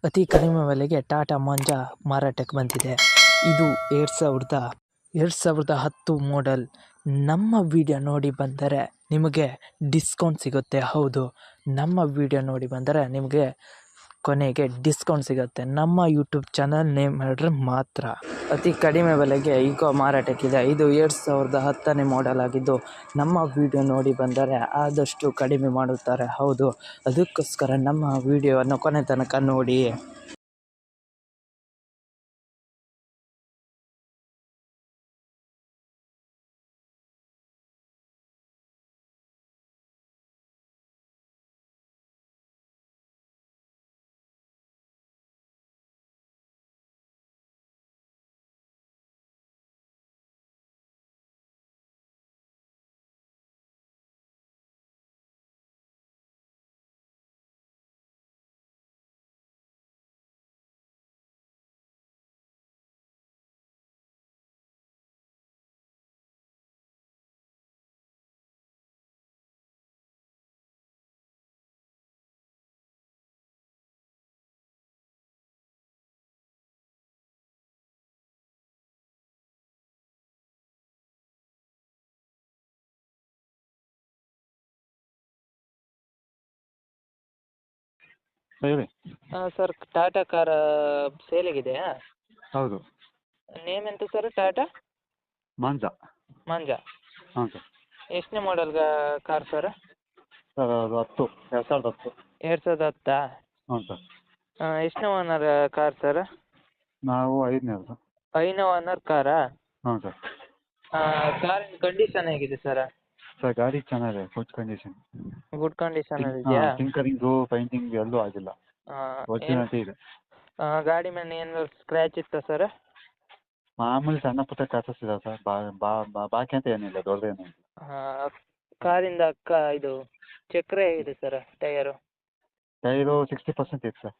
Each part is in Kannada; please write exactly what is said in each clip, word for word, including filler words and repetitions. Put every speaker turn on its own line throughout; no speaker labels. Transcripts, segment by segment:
ಅತಿ ಕಡಿಮೆ ಬೆಲೆಗೆ ಟಾಟಾ ಮಂಜಾ ಮಾರಾಟಕ್ಕೆ ಬಂದಿದೆ. ಇದು ಎರಡು ಸಾವಿರದ ಎರಡು ಸಾವಿರದ ಹತ್ತು ಮಾಡೆಲ್. ನಮ್ಮ ವಿಡಿಯೋ ನೋಡಿ ಬಂದರೆ ನಿಮಗೆ ಡಿಸ್ಕೌಂಟ್ ಸಿಗುತ್ತೆ. ಹೌದು, ನಮ್ಮ ವಿಡಿಯೋ ನೋಡಿ ಬಂದರೆ ನಿಮಗೆ ಕೊನೆಗೆ ಡಿಸ್ಕೌಂಟ್ ಸಿಗುತ್ತೆ. ನಮ್ಮ ಯೂಟ್ಯೂಬ್ ಚಾನಲ್ ನೇಮ್ ಹೇಳಿದ್ರೆ ಮಾತ್ರ. ಅತಿ ಕಡಿಮೆ ಬೆಲೆಗೆ ಈಗ ಮಾರಾಟಕ್ಕಿದೆ. ಇದು ಎರಡು ಸಾವಿರದ ಹತ್ತನೇ ಮಾಡೆಲ್ ಆಗಿದ್ದು, ನಮ್ಮ ವಿಡಿಯೋ ನೋಡಿ ಬಂದರೆ ಆದಷ್ಟು ಕಡಿಮೆ ಮಾಡುತ್ತಾರೆ. ಹೌದು, ಅದಕ್ಕೋಸ್ಕರ ನಮ್ಮ ವಿಡಿಯೋವನ್ನು ಕೊನೆ ತನಕ ನೋಡಿ.
ಹೇಳಿ.
ಹಾಂ ಸರ್, ಟಾಟಾ ಕಾರ್ ಸೇಲಿಗಿದೆಯಾ?
ಹೌದು.
ನೇಮ್ ಎಂತ ಸರ್? ಟಾಟಾ
ಮಾಂಜಾ.
ಮಂಜಾ.
ಹಾಂ ಸರ್.
ಎಷ್ಟನೇ ಮಾಡೆಲ್ ಕಾರ್ ಸರ್?
ಸರ್ ಅದು ಹತ್ತು ಎರಡು ಸಾವಿರದ ಹತ್ತು.
ಎರಡು ಸಾವಿರದ ಹತ್ತಾ?
ಹ್ಞೂ ಸರ್.
ಎಷ್ಟನೇ ಓನರ್ ಕಾರ್ ಸರ್?
ನಾವು ಐದನೇ ಸರ್.
ಐದನೇ ಓನರ್ ಕಾರಾ?
ಹಾಂ ಸರ್.
ಕಾರಿನ ಕಂಡೀಷನ್ ಹೇಗಿದೆ ಸರ್?
ಸರ್ ಗಾಡಿ ಚೆನ್ನಾಗಿದೆ, ಗುಡ್ ಕಂಡೀಷನ್.
ಗುಡ್ ಕಂಡೀಷನಲ್ಲಿ ಇದೆಯಾ?
ಟಿಂಕರಿಂಗು ಪೈಂಟಿಂಗ್ ಎಲ್ಲೂ ಆಗಿಲ್ಲ, ಒರಿಜಿನಾಲಿಟಿ ಇದೆ.
ಗಾಡಿ ಮೇಲೆ ಏನು ಸ್ಕ್ರ್ಯಾಚ್ ಇತ್ತಾ ಸರ್?
ಮಾಮೂಲಿ ಸಣ್ಣ ಪುಟ್ಟ ಕ್ರಾಚಸ್ ಇದೆ ಸರ್, ಬಾ ಬಾ ಬಾ- ಬಾಕಿ ಅಂತ ಏನಿಲ್ಲ, ದೊಡ್ಡದೇನಿಲ್ಲ.
ಕಾರಿಂದ ಅಕ್ಕ ಇದು ಚಕ್ರ ಹೇಗಿದೆ sir? Tyre
tyre sixty percent ಇದೆ ಸರ್.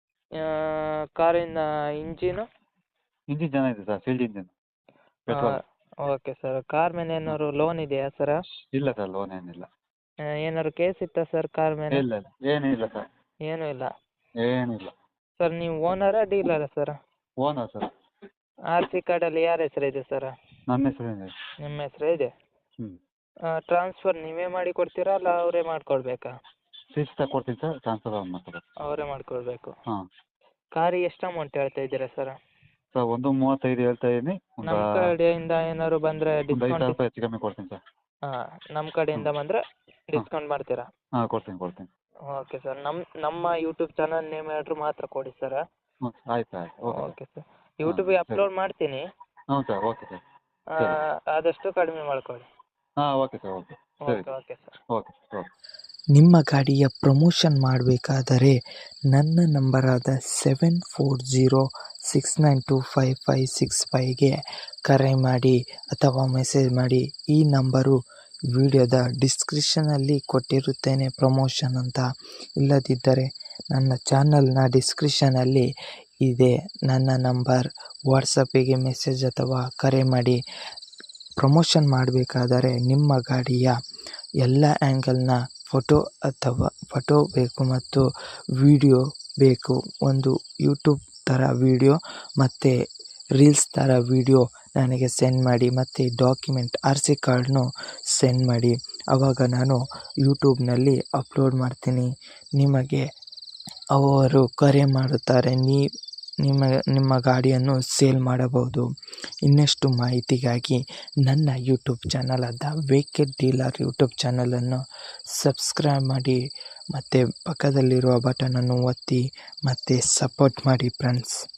ಕಾರಿಂದ ಇಂಜಿನು?
ಇಂಜಿನ್ ಚೆನ್ನಾಗಿದೆ sir, field engine, petrol.
Okay sir. Car ಮೇಲೆ ಏನಾದ್ರು ಲೋನ್ ಇದೆಯಾ ಸರ್?
ಇಲ್ಲ ಸರ್, ಲೋನ್ ಏನಿಲ್ಲ.
ಏನಾದ್ರು ಕೇಸ್ ಇತ್ತಾ ಸರ್ ಕಾರ್ ಮೇಲೆ?
ಇಲ್ಲ ಇಲ್ಲ, ಏನಿಲ್ಲ ಸರ್,
ಏನೂ ಇಲ್ಲ.
ಏನಿಲ್ಲ.
ಸರ್ ನೀವು ಓನರಾ ಡೀಲರಾ sir?
Owner sir.
R C ಕಾರ್ಡಲ್ಲಿ ಯಾರ ಹೆಸರಿದೆ ಸರ್?
ನನ್ನ ಹೆಸರೇನಿದೆ.
ನಿಮ್ಮ ಹೆಸರೇ ಇದೆ?
ಹ್ಞೂ.
ಟ್ರಾನ್ಸ್ಫರ್ ನೀವೇ ಮಾಡಿ ಕೊಡ್ತೀರಾ ಅಲ್ಲ ಅವರೇ ಮಾಡಿಕೊಡ್ಬೇಕಾ?
ಫೀಸ್ ತಗೊಡ್ತೀನಿ ಸರ್, ಟ್ರಾನ್ಸ್ಫರ್ ಅವ್ರು ಮಾಡ್ತಾರೆ.
ಅವರೇ ಮಾಡಿಕೊಡ್ಬೇಕು.
ಹಾಂ.
ಕಾರಿಗೆ ಎಷ್ಟು ಅಮೌಂಟ್ ಹೇಳ್ತಾ ಇದ್ದೀರಾ ಸರ್?
ಸರ್ ಒಂದು ಮೂವತ್ತೈದು ಹೇಳ್ತಾ ಇದ್ದೀನಿ. ಒಂದು
ನಮ್ಮ ಕಡೆಯಿಂದ ಏನಾದ್ರು ಬಂದರೆ
ಒಂದು ಐದು ಸಾವಿರ
ಡಿಸ್ಕೌಂಟ್?
ರೂಪಾಯಿ ಹೆಚ್ಚು ಕಮ್ಮಿ ಕೊಡ್ತೀನಿ ಸರ್.
ಹಾಂ, ನಮ್ಮ ಕಡೆಯಿಂದ ಬಂದರೆ ಡಿಸ್ಕೌಂಟ್ ಮಾಡ್ತೀರಾ?
ಹಾಂ, ಕೊಡ್ತೀನಿ ಕೊಡ್ತೀನಿ.
Okay sir. ನಮ್ಮ ನಮ್ಮ ಯೂಟ್ಯೂಬ್ ಚಾನಲ್ ನೇಮ್ ಹೇಳಿದ್ರು ಮಾತ್ರ ಕೊಡಿ ಸರ್.
ಹ್ಞೂ, ಆಯ್ತು ಆಯ್ತು. Okay
okay sir. ಯೂಟ್ಯೂಬಿಗೆ ಅಪ್ಲೋಡ್ ಮಾಡ್ತೀನಿ.
ಹ್ಞೂ ಸರ್, ಓಕೆ ಸರ್.
ಆದಷ್ಟು ಕಡಿಮೆ ಮಾಡ್ಕೊಳ್ಳಿ.
ಹಾಂ, ಓಕೆ ಸರ್, ಓಕೆ ಸರಿ.
Okay okay sir.
Okay okay.
ನಿಮ್ಮ ಗಾಡಿಯ ಪ್ರಮೋಷನ್ ಮಾಡಬೇಕಾದರೆ ನನ್ನ ನಂಬರಾದ seven four zero six nine two five five six ಫೈವ್ಗೆ ಕರೆ ಮಾಡಿ ಅಥವಾ ಮೆಸೇಜ್ ಮಾಡಿ. ಈ ನಂಬರು ವಿಡಿಯೋದ ಡಿಸ್ಕ್ರಿಪ್ಷನಲ್ಲಿ ಕೊಟ್ಟಿರುತ್ತೇನೆ ಪ್ರಮೋಷನ್ ಅಂತ. ಇಲ್ಲದಿದ್ದರೆ ನನ್ನ ಚಾನಲ್ನ ಡಿಸ್ಕ್ರಿಪ್ಷನಲ್ಲಿ ಇದೆ ನನ್ನ ನಂಬರ್. ವಾಟ್ಸಪ್ಪಿಗೆ ಮೆಸೇಜ್ ಅಥವಾ ಕರೆ ಮಾಡಿ. ಪ್ರಮೋಷನ್ ಮಾಡಬೇಕಾದರೆ ನಿಮ್ಮ ಗಾಡಿಯ ಎಲ್ಲ ಆ್ಯಂಗಲ್ನ ಫೋಟೋ ಅಥವಾ ಫೋಟೋ ಬೇಕು ಮತ್ತು ವಿಡಿಯೋ ಬೇಕು. ಒಂದು ಯೂಟ್ಯೂಬ್ ಥರ ವಿಡಿಯೋ ಮತ್ತು ರೀಲ್ಸ್ ಥರ ವಿಡಿಯೋ ನನಗೆ ಸೆಂಡ್ ಮಾಡಿ ಮತ್ತು ಡಾಕ್ಯುಮೆಂಟ್ ಆರ್ ಸಿ ಕಾರ್ಡ್ನು ಸೆಂಡ್ ಮಾಡಿ. ಆವಾಗ ನಾನು ಯೂಟ್ಯೂಬ್ನಲ್ಲಿ ಅಪ್ಲೋಡ್ ಮಾಡ್ತೀನಿ. ನಿಮಗೆ ಅವರು ಕರೆ ಮಾಡುತ್ತಾರೆ, ನೀ ನಿಮ್ಮ ನಿಮ್ಮ ಗಾಡಿಯನ್ನು ಸೇಲ್ ಮಾಡಬಹುದು. ಇನ್ನಷ್ಟು ಮಾಹಿತಿಗಾಗಿ ನನ್ನ ಯೂಟ್ಯೂಬ್ ಚಾನಲ್ ಆದ ವೆಹಿಕಲ್ ಡೀಲರ್ ಯೂಟ್ಯೂಬ್ ಚಾನಲನ್ನು ಸಬ್ಸ್ಕ್ರೈಬ್ ಮಾಡಿ ಮತ್ತು ಪಕ್ಕದಲ್ಲಿರುವ ಬಟನನ್ನು ಒತ್ತಿ ಮತ್ತು ಸಪೋರ್ಟ್ ಮಾಡಿ ಫ್ರೆಂಡ್ಸ್.